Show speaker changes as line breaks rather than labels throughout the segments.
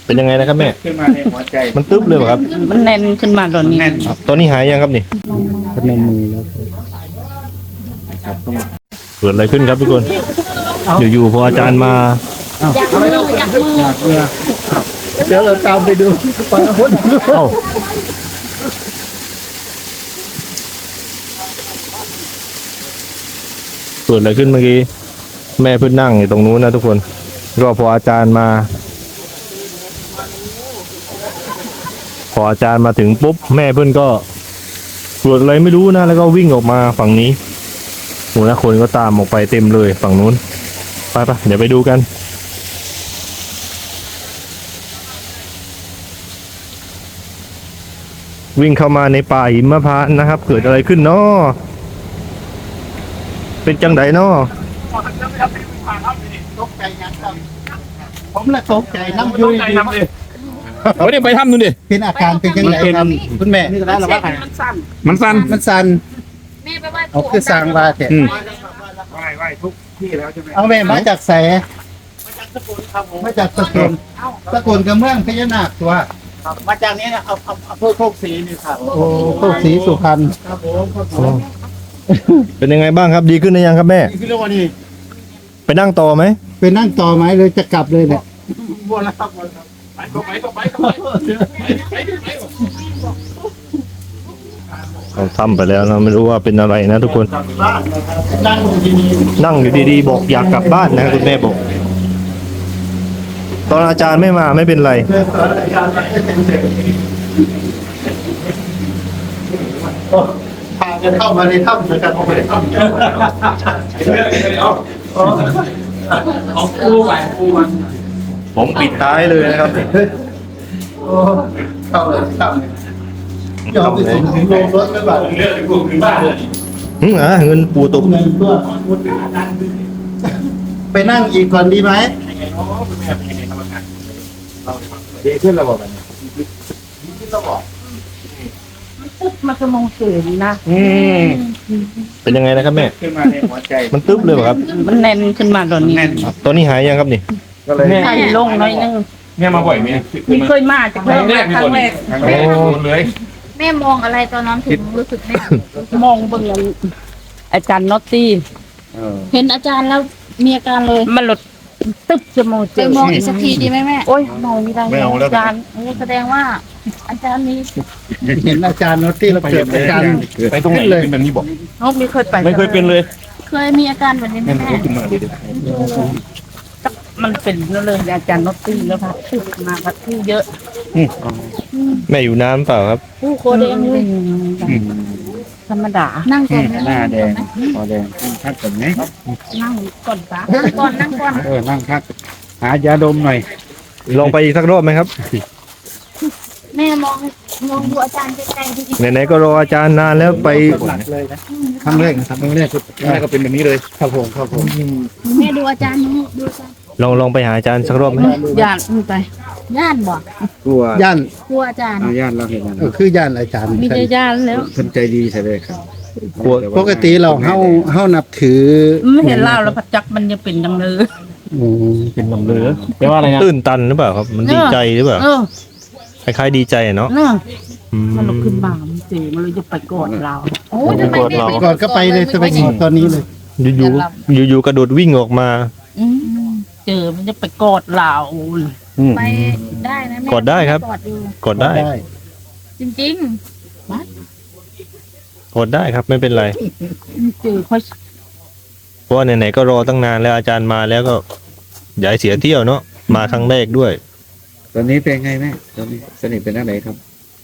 เป็นยังไงนะครับแม่
ขึ้นมาในหัวใจ
มันตึ๊บเลยเหรอครับ
มันแน่นขึ้นมาตอนนี้
ตอนนี้หายยังครับนี่
พนมมือแล้วครับต้อง
เกิดอะไรขึ้นครับทุกคนอยู่ๆพออาจารย์มา
อยากมืออยากมือ
เดี๋ยวเราตามไปดูฟังพุทธ
เกิดอะไรขึ้นเมื่อกี้แม่เพิ่งนั่งอยู่ตรงนู้นนะทุกคนก็พออาจารย์มาถึงปุ๊บแม่เพิ่นก็เกิดอะไรไม่รู้นะแล้วก็วิ่งออกมาฝั่งนี้โหนะคนก็ตามออกไปเต็มเลยฝั่งนู้นไปเดี๋ยวไปดูกันวิ่งเข้ามาในป่าหิมพานต์นะครับเกิดอะไรขึ้นเนาะเป็นจังไดเนาะ
ตกใจยังครับผมละตกใจน้ำยุย
เดี๋ยวไปทำดูดิ
เป็นอาการเป็นยังไงครับคุณแม่นี่ก็ได้หรอว่า
มันสั่น
แม่ไปไหว้
เอาคือสร้างว่าแต่ไหว้ทุกที่แล้วใช่ไหมเอาแม่มาจากแสมาจากสกลสกลกับเมืองพญานาคตัวมาจากนี้นะเอาเพื่อโคกศรีนี่ครับโอ้โคกศรีสุพรรณครับผม
เป็นยังไงบ้างครับดีขึ้นหรือยังครับแม่
ดีขึ้นแล้ววันนี้
ไปนั่งต่อไหม
ไปนั่งต่อไหมเลยจะกลับเลยเนี่ยวนแล้วครับไป
เราทำไปแล้วนะไม่รู้ว่าเป็นอะไรนะทุกคนนั่งอยู่ดีๆบอกอยากกลับบ้านนะคุณแม่บอกตอนอาจารย์ไม่มาไม่เป็นไร
พากันเข้ามาในถ้ำด้วยกันเข้ามาในถ้ำเอาปูมัน
ผมปิดท้ายเลยนะครับ
เข้าเลยยอมไปส่งถึงโรงรถไม่บาดเลือดกูถึงบ้านเลย
เงินปูตก
ไปนั่งอีกก่อนดีไหมดีขึ้นระบบดีขึ้นระบบ
มันจะมองสูงนะ
เป็นยังไงนะครับแม่
ขึ้นมาในหัวใจ
มันตึ๊บเลยเหรอครับ
มันแน่นขึ้นมาตอนนี้
ตอนนี้หายยังครับนี่
ใช่ลงน้อยนึง
แม่มาบ่อยไหม
ไม่เคยมาจะเพิ่มครั้งแรก
เลย
แม่มองอะไรตอนนั้นถึงรู้สึกแม่
มองเบิ่งอาจารย์น็อตตี้
เห็นอาจารย์แล้วมีอาการเลย
มันหลุดตึ๊บจะมอง
ไปมองอีกสักทีดีไหมแม่
โอ้ยมองไม่ได้อาจารย์
แสดงว่าอาจารย์นี้
เห็นอาจารย์โนตี้แล้วเกิดอาการ
ไปตรงไหนเป็นแบบนี้บอก
เขาไม่เคยไป
ไม่เคยเป็นเลย
เคยมีอาการแบบนี้ไหมแม่
มันเป็นเลยอาจารย์น็อตตี้แล้วครับชื่อมาครับชื่อเยอะ
แม่อยู่น้ำเปล่าครับ
ผู้โคแดงเลย
ธรรมดา
นั่งก่อน
หน้าแดงคอแดงพักก่อนไหม
นั่งก่อนปะ
นั่งก่อนนั่งก่อน
นั่งพักหายาดมหน่อย
ลองไปอีกสักรอบไหมครับ
แม่มองดูอาจารย์ใจดี
ไหนๆก็รออาจารย์นานแล้วไป
ครั้งแรกก็เป็นแบบนี้เลยครับผม
แม่ดูอาจารย์ดูอาจารย์
ลองไปหาอาจารย์สักรอบไหม
ย่านไป
ย่านบ่
กลัวย่าน
กลัวอาจารย์
ย่านเราเห็นแล้วคือย่านอาจารย์
มีย่านแล้ว
คนใจดีใช่ไหมครับปกติเราเฮานับถือ
ไม่เห็นเล่าแล้วพัดจักมันจะเป็นดังเลย
เป็นลำเลือแปลว่าอะไรนะตื่นตันหรือเปล่าครับมันดีใจหรือเปล่าคล้ายๆดีใจเนาะ
มันลุกขึ้นมามันเจ๋มันเลยจะไปกอดเรา
โอ้ยทำไมไม่
กอดก็ไปเลยจะไปกอดตอนนี้เลย
อยู่กระโดดวิ่งออกมา
เจอมันจะไปกอดเรา
ไปได้นะแม่
กอดได้ครับกอดได้
จริง
กอดได้ครับไม่เป็นไร
เจอค่อย
เพราะไหนๆก็รอตั้งนานแล้วอาจารย์มาแล้วก็อย่าเสียเที่ยวเนาะมาครั้งแรกด้วย
ตอนนี้เป็นไงแม่ตอนนี้สนิทเป็นอะไรครับ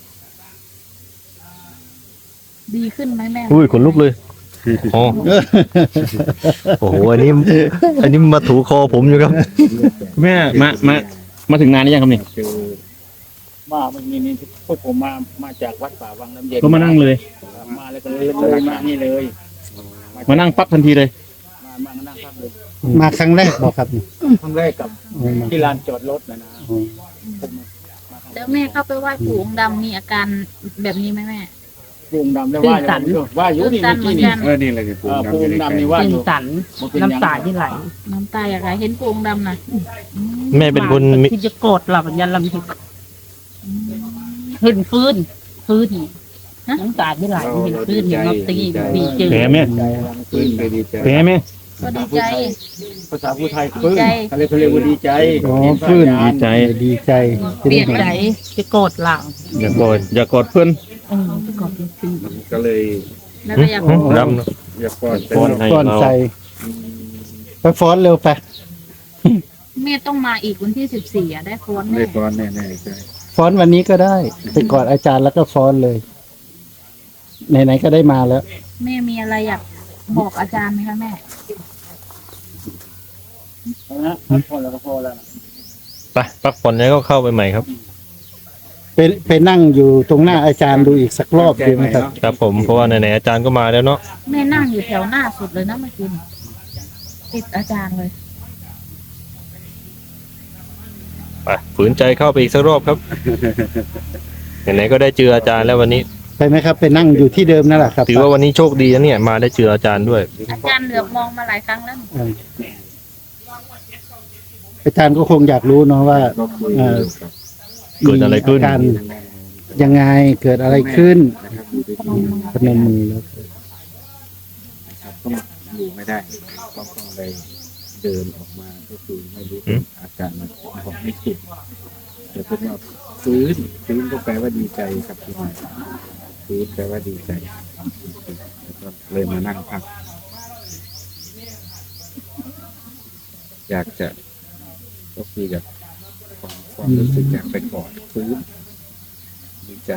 ดีขึ้นไหมแม่
อุ้ยขนลุกเลยโอ้โหอันนี้มาถูคอผมอยู่ครับ
แม่มาถึงงานนี้ยังครับนี่
นี่พวกผมมาจากวัดป่าวังน้ำเย็น
ก็มานั่งเลย
มาแล้วก็เลยมานี่เลย
มานั่งปั๊บทันทีเลย
มานั่งพักเลยมาครั้งแรกบอกครับครั้งแรกกับที่ลานจอดรถนะ
แล้วแม่เข้าไปไหว้ปู่องค์ดำมีอาการแบบนี้ไหมแม่
ปูงดำแล้วว่าอยู่นี่เมื่อกี้นี่นี่เลยปูงดำนี่ว่า
ตื่
อน ยู่
ตันน้ำตาที่ไหล
น้ำตาอย่างไรเห็นโป่งดำนะ
แม่เป็นคนมี
ที่จะโกรธเรายันลำถึกเห็นฟื้นน้ำตาที่ไหลเห็นฟื้นเห็นนกตีดีเจอ
แผลแม่
ฟื้นไปดีใจ
แผลแม่
ก็ดีใจ
ภาษาผู้ไทยฟื้นอะไรเขาเรียกว่าดีใจ
ฟื้นดีใจ
ดีใจ
เปลี่ยนใจจะโกรธเรา
อย่ากอดเพื่อน
จะโกรธจริง
ก็เลย
แล้วก็อยาก
ดำเนอะ
อยากป้อน
ป้อนให้
ป้อน
เรา
ใจไปฟ้อนเร็วไป
แม่ต้องมาอีกวันที่14ได้ฟ้อน
ได้
แน่
ฟ้อนแน่ๆใช่ฟ้อนวันนี้ก็ได้ไปกอดอาจารย์แล้วก็ฟ้อนเลยไหนๆก็ได้มาแล้ว
แม่มีอะไรอยากบอกอาจารย์ไหมคะแม่
พอแล้วก็พอแล้ว
ไปพักผ่อนแล้วก็เข้าไปใหม่ครับ
ไปนั่งอยู่ตรงหน้าอาจารย์ดูอีกสักรอบดีไหมครับ
ครับผมเพราะว่าไหนๆอาจารย์ก็มาแล้วเนาะ
แม่นั่งอยู่แถวหน้าสุดเลยนะเมื่อกี้นี่ติดอาจารย์เลย
ไปฝืนใจเข้าไปอีกสักรอบครับ ไหนๆก็ได้เจออาจารย์แล้ววันนี้
ไปไหมครับไปนั่งอยู่ที่เดิมนั่นแหละครับ
ถือว่าวันนี้โชคดีนะเนี่ยมาได้เจออาจารย์ด้วย
อาจารย์เหลือบมองมาหลายครั้งแล้วนี่
อาจารย์ก็คงอยากรู้เนาะว่าเอ่อ
เกิดอะไรขึ้น
มีาการยังไงเกิดอะไรขึ้นพนมมือแล้ว
ต้องอยู่ไม่ได้ต้องเลยเดินออกมาก็คือไม่รู้อาการมันบอกไม่ถูกแต่เป็นว่าฟื้นก็แปลว่าดีใจครับที่มาฟื้นแปลว่าดีใจแล้วก็เลยมานั่งพัก อยากจะก็คืออยากความรู้สึกอยากไปกอดฟื้นดีใจ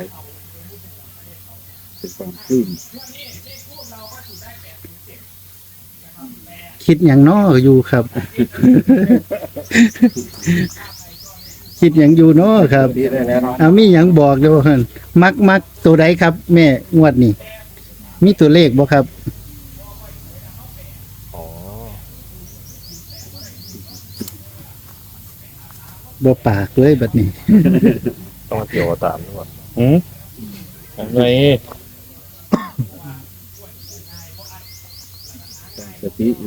เป็นความปลื้ม
คิดอย่างน้ออยู่ครับ คิดอย่างอยู่น้อครับ
ดีได้แล้วเนาะ
เอามีอย่างบอกเดี๋ยวเพิ่นมักตัวใดครับ แม่งวดนี้มีตัวเลขบ่ครับ
อ๋อ
บ่ปากเลยบัดนี้
ต้องมาเกี่ยวกับตามด้วย
อืมอะไร
ตั้งสติอยู่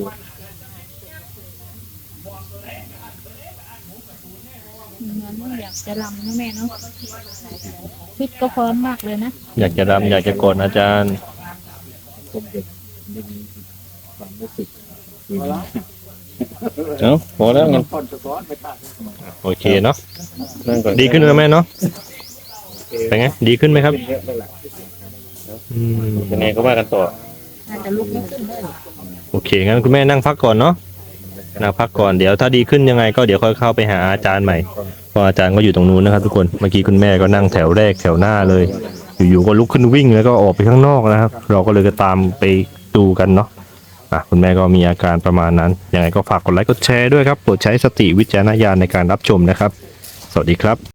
เหมือนว่าอยากจะรำนะแม่เนาะฟิตก็พร้อมมากเลยนะ
อยากจะรำอยากจะกอดอาจารย์
ผมเด็กไม่มีความรู้สึกคือ
เอ้าพอแล้วงั้น
โอเคเนาะ
นั่งก่อน
ดีขึ้นไหมแม่เนาะเป็นไงดีขึ้นไหมครับอืม
ยังไงก็ว่ากันต่อ
น่าจะลุกไม่ขึ้นเลย
โอเคงั้นคุณแม่นั่งพักก่อนเนาะนั่งพักก่อนเดี๋ยวถ้าดีขึ้นยังไงก็เดี๋ยวค่อยเข้าไปหาอาจารย์ใหม่เพราะอาจารย์ก็อยู่ตรงนู้นนะครับทุกคนเมื่อกี้คุณแม่ก็นั่งแถวแรกแถวหน้าเลย อยู่ๆก็ลุกขึ้นวิ่งแล้วก็ออกไปข้างนอกนะครับ เราก็เลยก็ตามไปดูกันเนาะคุณแม่ก็มีอาการประมาณนั้นยังไงก็ฝากกดไลค์กดแชร์ด้วยครับโปรดใช้สติวิจารณญาณในการรับชมนะครับ สวัสดีครับ